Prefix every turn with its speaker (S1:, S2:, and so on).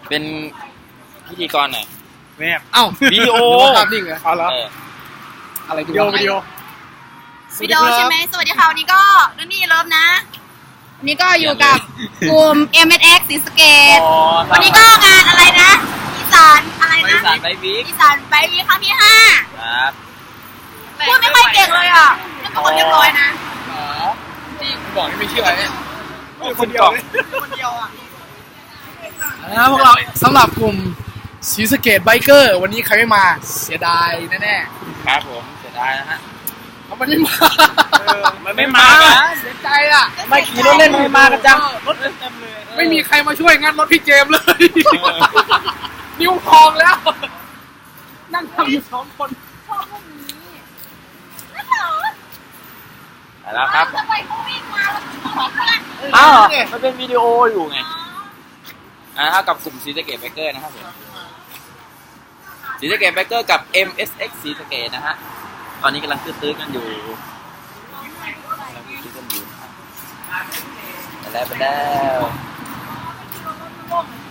S1: เป็นพิธีกรหน่อย
S2: แม่
S3: เอ้า
S1: วิดีโอ
S3: ภาพนิ่งเหรอ
S2: เอาแล้ว
S3: อะไรดู
S2: วิดีโอ
S4: วิดีโอใช่ไหมสวัสดีค่ะวันนี้ก็รุ่นนี่เลิฟนะวันนี้ก็อยู่กับกลุ่ม MSX ศรีสะเกษวันนี้ก็งานอะไรนะอีสานอะไรนะ
S1: อีสานไบวิก
S4: อีสานไปวีครั้งที่
S1: ครับ
S4: 5พูดไม่ค่อยเก่งเลยอ่ะเป็นคนเรียบร้อยนะ
S3: ที่บอกให้ไม่เชื่อเนี่ย
S2: คนเดียวเลย
S4: คนเดียวอ่ะ
S3: นะพวกเราสำหรับกลุ่มศรีสะเกษไบเกอร์วันนี้ใครไม่มาเสียดายแน่
S1: ครับผมเสียดายนะฮะ
S3: ๆเขาไม่ได้มา
S1: มันไม่มา
S3: เสียใจอ่ะ
S1: ไม่ขี่รถเล่นไม่มากันจังรถเต็มเลย
S3: ไม่มีใครมาช่วยงานรถพี่เจมส์เลย นิ้วพองแล้ว นั่งทำอยู่2 คน
S4: ชอบพวกนี้นั่นเหรอ
S1: ไปแล้วครับ
S4: ทำไมเขาวิ่งมาแล้วเขาเพื่อน
S1: อ้าวมันเป็นวิดีโออยู่ไงเท่ากับกลุ่มศรีสะเกษไบเกอร์นะครับผมศรีสะเกษไบเกอร์กับ MSX ศรีสะเกษนะฮะตอนนี้กำลังตื้อๆกันอยู่ไปแล้ว